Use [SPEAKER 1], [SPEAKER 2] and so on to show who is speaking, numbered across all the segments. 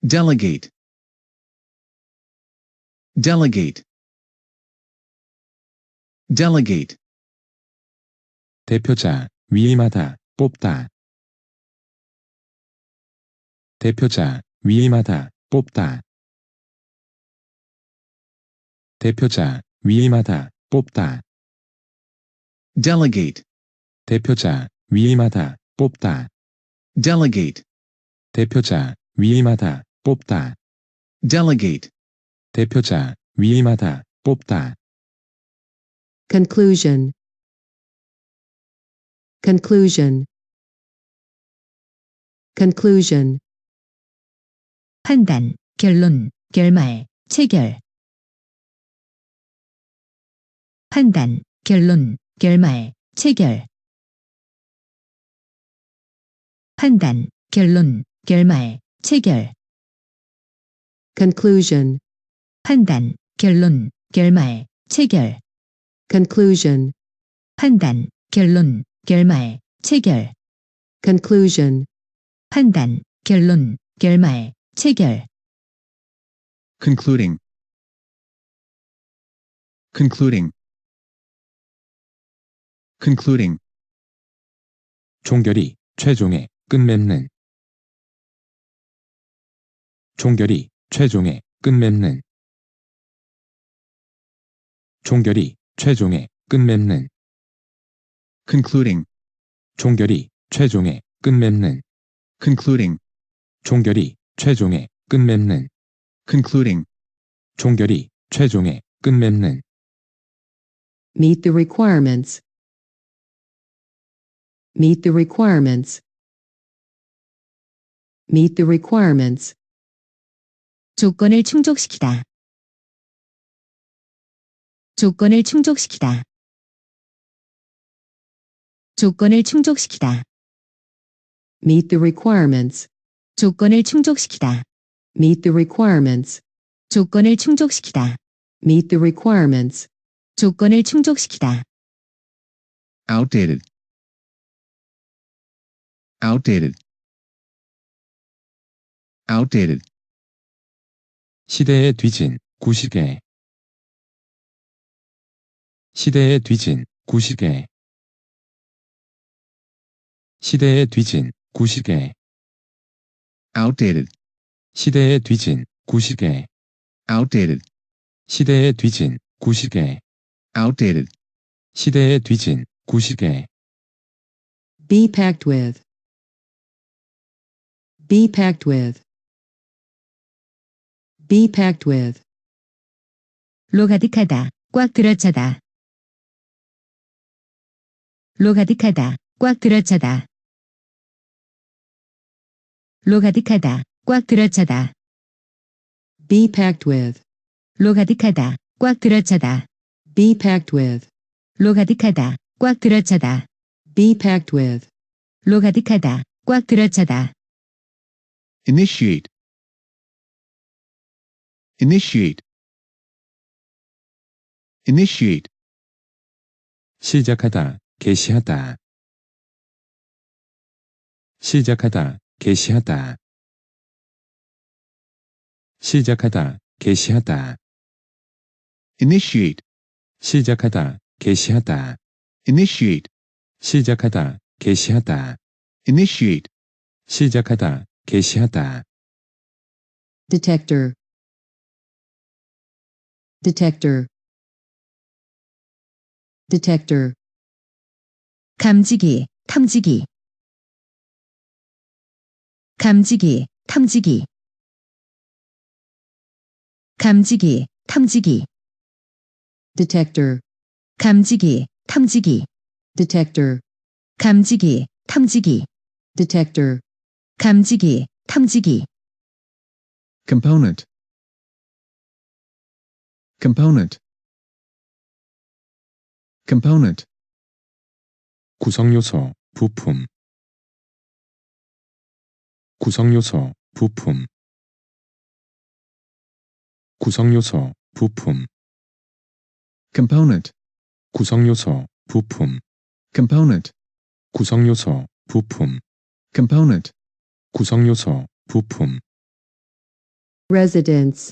[SPEAKER 1] delegate, delegate, delegate,
[SPEAKER 2] 대표자, 위임하다, 뽑다. 대표자, 위임하다, 뽑다. 대표자, 위임하다, 뽑다.
[SPEAKER 1] delegate,
[SPEAKER 2] 대표자, 위임하다, 뽑다.
[SPEAKER 1] delegate,
[SPEAKER 2] 대표자, 위임하다, 뽑다.
[SPEAKER 1] delegate,
[SPEAKER 2] 대표자, 위임하다, 뽑다.
[SPEAKER 3] conclusion, conclusion, conclusion,
[SPEAKER 4] 판단, 결론, 결말, 체결. 판단, 결론, 결말, 체결. 판단, 결론, 결말, 체결.
[SPEAKER 3] conclusion,
[SPEAKER 4] 판단, 결론, 결말, 체결.
[SPEAKER 3] conclusion,
[SPEAKER 4] 판단, 결론, 결말, 체결.
[SPEAKER 3] conclusion,
[SPEAKER 4] 판단, 결론, 결말, 체결.
[SPEAKER 1] concluding, concluding, concluding,
[SPEAKER 2] 종결이, 최종의, 끝맺는. 종결이, 최종의, 끝맺는. 종결이, 최종의, 끝맺는.
[SPEAKER 1] concluding,
[SPEAKER 2] 종결이, 최종의, 끝맺는.
[SPEAKER 1] concluding,
[SPEAKER 2] 종결이, 최종의, 끝맺는.
[SPEAKER 1] concluding,
[SPEAKER 2] 종결이, 최종의, 끝맺는.
[SPEAKER 3] meet the requirements, meet the requirements, meet the requirements,
[SPEAKER 4] 조건을 충족시키다. 조건을 충족시키다. 조건을 충족시키다.
[SPEAKER 3] meet the requirements,
[SPEAKER 4] 조건을 충족시키다.
[SPEAKER 3] meet the requirements,
[SPEAKER 4] 조건을 충족시키다.
[SPEAKER 3] meet the requirements,
[SPEAKER 4] 조건을 충족시키다.
[SPEAKER 1] outdated, outdated, outdated,
[SPEAKER 2] 시대에 뒤진, 구시계. 시대에 뒤진, 구시계. 시대에 뒤진, 구시계.
[SPEAKER 1] outdated,
[SPEAKER 2] 시대에 뒤진, 구시계.
[SPEAKER 1] outdated,
[SPEAKER 2] 시대에 뒤진, 구시계.
[SPEAKER 1] outdated,
[SPEAKER 2] 시대에 뒤진, 구시계.
[SPEAKER 3] be packed with, be packed with, be packed with,
[SPEAKER 4] 로 가득하다. 꽉 들어차다. 로 가득하다. 꽉 들어차다. 로 가득하다. 꽉 들어차다.
[SPEAKER 3] be packed with,
[SPEAKER 4] 로 가득하다. 꽉 들어차다.
[SPEAKER 3] be packed with,
[SPEAKER 4] 로 가득하다. 꽉 들어차다.
[SPEAKER 3] be packed with,
[SPEAKER 4] 로 가득하다. 꽉 들어차다.
[SPEAKER 1] initiate, initiate, initiate,
[SPEAKER 2] 시작하다, 개시하다. 시작하다, 개시하다. 시작하다, 개시하다.
[SPEAKER 1] initiate,
[SPEAKER 2] 시작하다, 개시하다.
[SPEAKER 1] initiate,
[SPEAKER 2] 시작하다, 개시하다.
[SPEAKER 1] initiate,
[SPEAKER 2] 시작하다, 개시하다.
[SPEAKER 3] detector, detector, detector,
[SPEAKER 4] 감지기, 탐지기. 감지기, 탐지기. 감지기, 탐지기.
[SPEAKER 3] detector,
[SPEAKER 4] 감지기, 탐지기.
[SPEAKER 3] detector,
[SPEAKER 4] 감지기, 탐지기.
[SPEAKER 3] detector,
[SPEAKER 4] 감지기, 탐지기.
[SPEAKER 1] component, component, component,
[SPEAKER 2] 구성요소, 부품. 구성요소, 부품. 구성요소, 부품.
[SPEAKER 1] component,
[SPEAKER 2] 구성요소, 부품.
[SPEAKER 1] component,
[SPEAKER 2] 구성요소, 부품.
[SPEAKER 1] component,
[SPEAKER 2] 구성요소, 부품.
[SPEAKER 3] residence,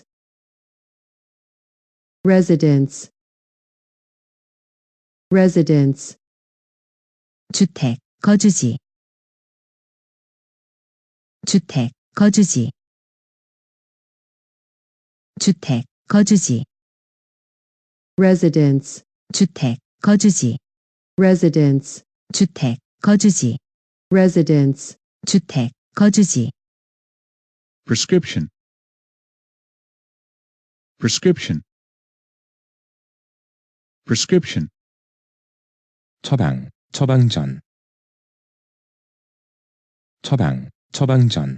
[SPEAKER 3] residence, residence,
[SPEAKER 4] 주택, 거주지. 주택, 거주지. 주택, 거주지.
[SPEAKER 3] residence,
[SPEAKER 4] 주택, 거주지.
[SPEAKER 3] residence,
[SPEAKER 4] 주택, 거주지.
[SPEAKER 3] residence,
[SPEAKER 4] 주택, 거주지.
[SPEAKER 1] prescription, prescription, prescription,
[SPEAKER 2] 처방, 처방전. 처방, 처방전.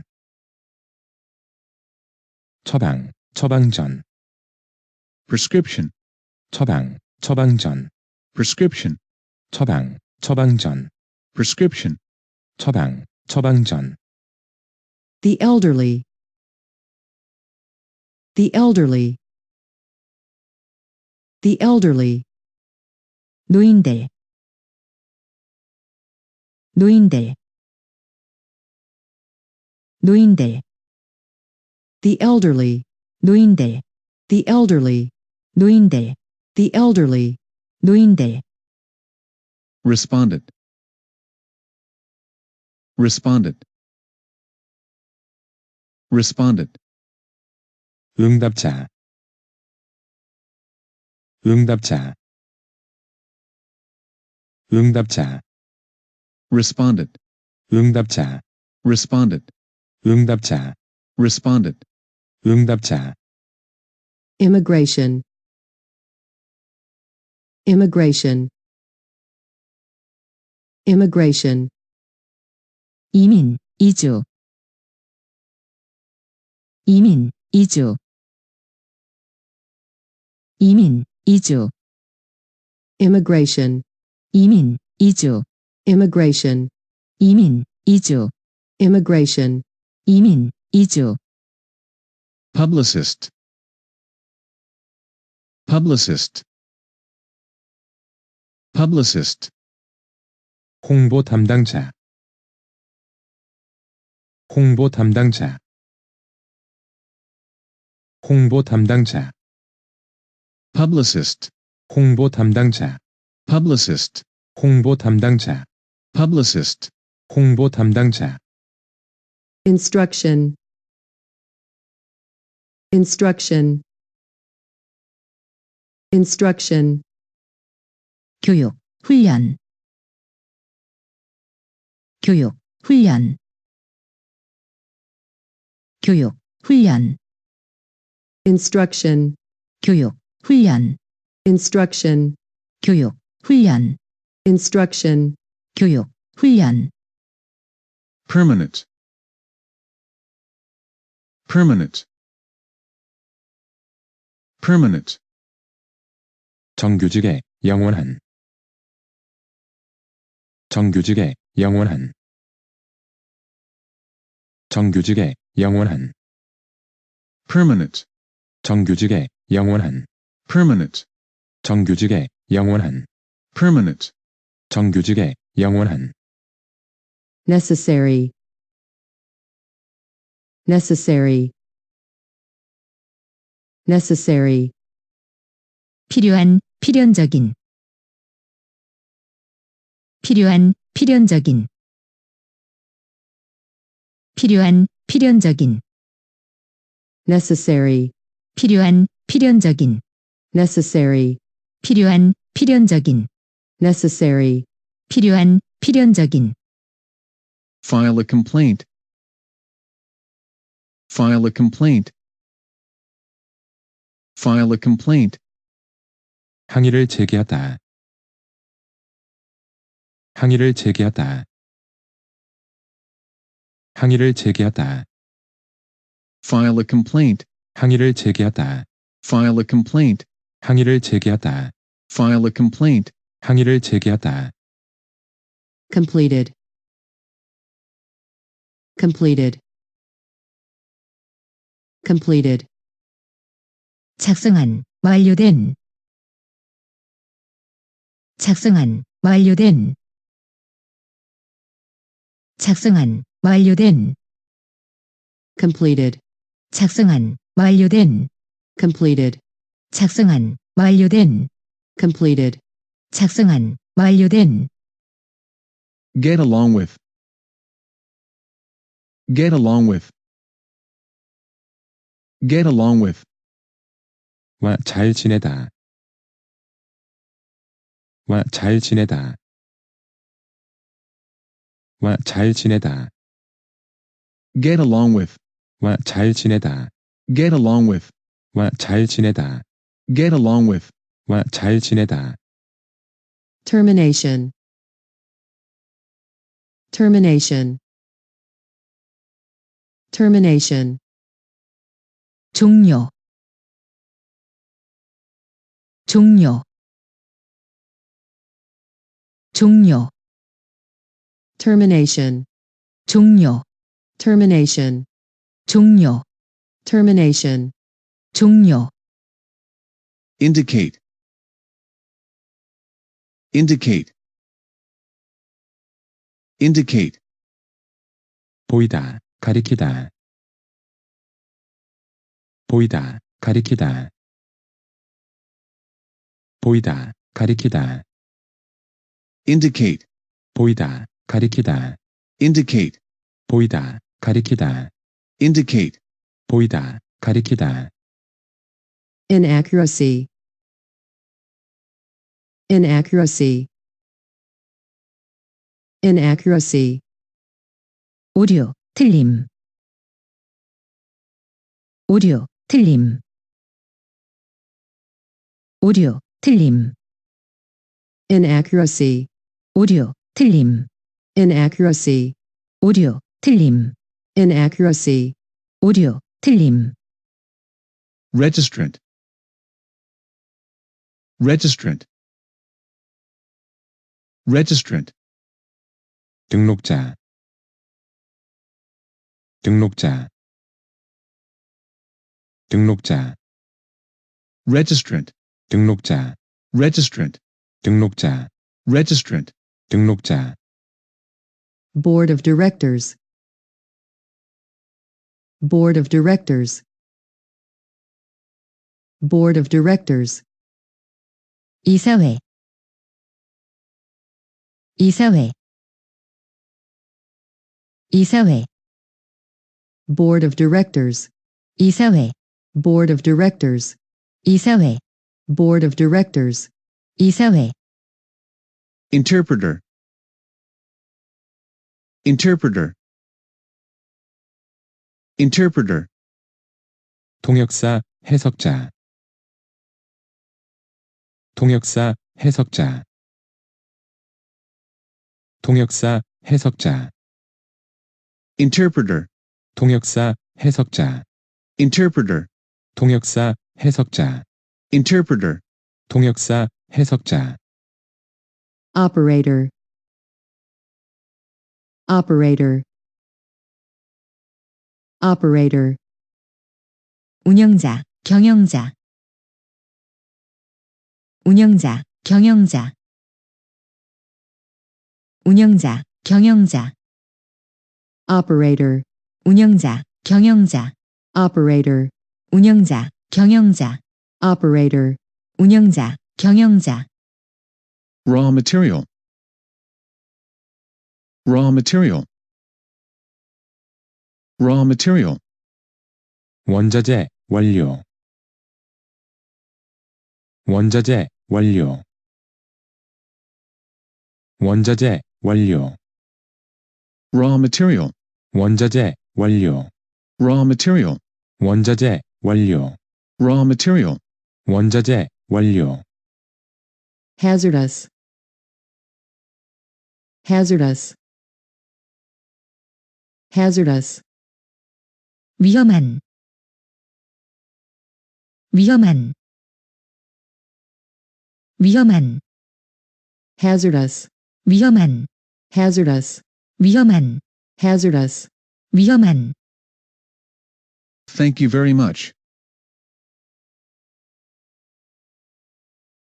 [SPEAKER 2] 처방, 처방전.
[SPEAKER 1] prescription,
[SPEAKER 2] 처방, 처방전.
[SPEAKER 1] prescription,
[SPEAKER 2] 처방, 처방전.
[SPEAKER 1] prescription,
[SPEAKER 2] 처방, 처방전.
[SPEAKER 3] the elderly, the elderly, the elderly,
[SPEAKER 4] 노인들. 노인들. 노인들.
[SPEAKER 3] the elderly,
[SPEAKER 4] 노인들.
[SPEAKER 3] the elderly,
[SPEAKER 4] 노인들.
[SPEAKER 3] the elderly,
[SPEAKER 4] 노인들.
[SPEAKER 1] respondent, respondent, respondent,
[SPEAKER 2] 응답자. 응답자. 응답자.
[SPEAKER 1] respondent,
[SPEAKER 2] 응답자.
[SPEAKER 1] respondent,
[SPEAKER 2] 응답자.
[SPEAKER 1] respondent,
[SPEAKER 2] 응답자.
[SPEAKER 3] immigration, immigration, immigration,
[SPEAKER 4] 이민, 이주. 이민, 이주. 이민, 이주.
[SPEAKER 3] immigration,
[SPEAKER 4] 이민, 이주.
[SPEAKER 3] immigration,
[SPEAKER 4] 이민, 이주.
[SPEAKER 3] immigration,
[SPEAKER 4] 이민, 이주.
[SPEAKER 1] publicist, publicist, publicist,
[SPEAKER 2] 홍보 담당자. 홍보 담당자. 홍보 담당자.
[SPEAKER 1] publicist,
[SPEAKER 2] 홍보 담당자.
[SPEAKER 1] publicist,
[SPEAKER 2] 홍보 담당자.
[SPEAKER 1] publicist,
[SPEAKER 2] 홍보 담당자.
[SPEAKER 3] instruction, instruction, instruction,
[SPEAKER 4] 교육, 훈련. 교육, 훈련. 교육, 훈련.
[SPEAKER 3] instruction,
[SPEAKER 4] 교육, 훈련.
[SPEAKER 3] instruction,
[SPEAKER 4] 교육, 훈련.
[SPEAKER 3] instruction,
[SPEAKER 4] 교육, 훈련.
[SPEAKER 1] permanent, permanent, permanent,
[SPEAKER 2] 정규직의 영원한. 정규직의 영원한. 정규직의 영원한.
[SPEAKER 1] permanent,
[SPEAKER 2] 정규직의 영원한.
[SPEAKER 1] permanent,
[SPEAKER 2] 정규직의 영원한.
[SPEAKER 1] permanent,
[SPEAKER 2] 정규직의 영원한.
[SPEAKER 3] necessary, necessary, necessary,
[SPEAKER 4] 필요한, 필연적인. 필요한, 필연적인. 필요한, 필연적인.
[SPEAKER 3] necessary,
[SPEAKER 4] 필요한, 필연적인.
[SPEAKER 3] necessary,
[SPEAKER 4] 필요한, 필연적인.
[SPEAKER 3] necessary,
[SPEAKER 4] 필요한, 필연적인.
[SPEAKER 1] file a complaint, file a complaint, file a complaint,
[SPEAKER 2] 항의를 제기하다. 항의를 제기하다. 항의를 제기하다.
[SPEAKER 1] file a complaint,
[SPEAKER 2] 항의를 제기하다.
[SPEAKER 1] file a complaint,
[SPEAKER 2] 항의를 제기하다.
[SPEAKER 1] file a complaint,
[SPEAKER 2] 항의를 제기하다.
[SPEAKER 3] completed, completed, completed,
[SPEAKER 4] 작성한, 완료된. 작성한, 완료된. 작성한, 완료된.
[SPEAKER 3] completed,
[SPEAKER 4] 작성한, 완료된,
[SPEAKER 3] completed,
[SPEAKER 4] 작성한, 완료된,
[SPEAKER 3] completed,
[SPEAKER 4] 작성한, 완료된,
[SPEAKER 1] Get along with. Get along with. Get along with.
[SPEAKER 2] 와 잘 지내다. 와 잘 지내다. 와 잘 지내다.
[SPEAKER 1] Get along with.
[SPEAKER 2] 와 잘 지내다.
[SPEAKER 1] Get along with.
[SPEAKER 2] 와 잘 지내다.
[SPEAKER 1] Get along with.
[SPEAKER 2] 와 잘 지내다.
[SPEAKER 3] termination, termination, termination,
[SPEAKER 4] 종료, 종료, 종료,
[SPEAKER 3] termination,
[SPEAKER 4] 종료,
[SPEAKER 3] termination,
[SPEAKER 4] 종료,
[SPEAKER 3] termination,
[SPEAKER 4] 종료,
[SPEAKER 1] Indicate. Indicate. Indicate.
[SPEAKER 2] 보이다, 가리키다. 보이다, 가리키다. 보이다, 가리키다.
[SPEAKER 1] Indicate.
[SPEAKER 2] 보이다, 가리키다.
[SPEAKER 1] Indicate.
[SPEAKER 2] 보이다, 가리키다.
[SPEAKER 1] Indicate.
[SPEAKER 2] 보이다, 가리키다.
[SPEAKER 3] inaccuracy, inaccuracy, inaccuracy,
[SPEAKER 4] 오류, 틀림, 오류, 틀림, 오류, 틀림,
[SPEAKER 3] inaccuracy,
[SPEAKER 4] 오류, 틀림,
[SPEAKER 3] inaccuracy,
[SPEAKER 4] 오류, 틀림,
[SPEAKER 3] inaccuracy,
[SPEAKER 4] 오류, 틀림,
[SPEAKER 1] Registrant. Registrant. Registrant.
[SPEAKER 2] 등록자. 등록자. 등록자.
[SPEAKER 1] Registrant.
[SPEAKER 2] 등록자.
[SPEAKER 1] Registrant.
[SPEAKER 2] 등록자.
[SPEAKER 1] Registrant.
[SPEAKER 2] 등록자.
[SPEAKER 3] board of directors, board of directors, board of directors,
[SPEAKER 4] 이사회, 이사회, 이사회,
[SPEAKER 3] board of directors,
[SPEAKER 4] 이사회,
[SPEAKER 3] board of directors,
[SPEAKER 4] 이사회,
[SPEAKER 3] board of directors,
[SPEAKER 4] 이사회,
[SPEAKER 1] Interpreter. Interpreter. Interpreter.
[SPEAKER 2] 통역사, 해석자. 통역사, 해석자. 통역사, 해석자.
[SPEAKER 1] Interpreter.
[SPEAKER 2] 통역사, 해석자.
[SPEAKER 1] Interpreter.
[SPEAKER 2] 통역사, 해석자.
[SPEAKER 1] Interpreter.
[SPEAKER 2] 통역사, 해석자.
[SPEAKER 3] operator, operator, operator,
[SPEAKER 4] 운영자, 경영자, 운영자, 경영자, 운영자, 경영자,
[SPEAKER 3] operator,
[SPEAKER 4] 운영자, 경영자,
[SPEAKER 3] operator,
[SPEAKER 4] 운영자, 경영자,
[SPEAKER 3] operator,
[SPEAKER 4] 운영자, 경영자,
[SPEAKER 1] Raw material. Raw material. Raw material.
[SPEAKER 2] 원자재, 원료. 원자재, 원료. 원자재, 원료.
[SPEAKER 1] Raw material.
[SPEAKER 2] 원자재, 원료.
[SPEAKER 1] Raw material.
[SPEAKER 2] 원자재, 원료.
[SPEAKER 1] Raw material.
[SPEAKER 2] 원자재, 원료.
[SPEAKER 3] hazardous, hazardous, hazardous,
[SPEAKER 4] 위험한, 위험한, 위험한,
[SPEAKER 3] hazardous,
[SPEAKER 4] 위험한,
[SPEAKER 3] hazardous,
[SPEAKER 4] 위험한,
[SPEAKER 3] hazardous.
[SPEAKER 4] 위험한.
[SPEAKER 1] Thank you very much.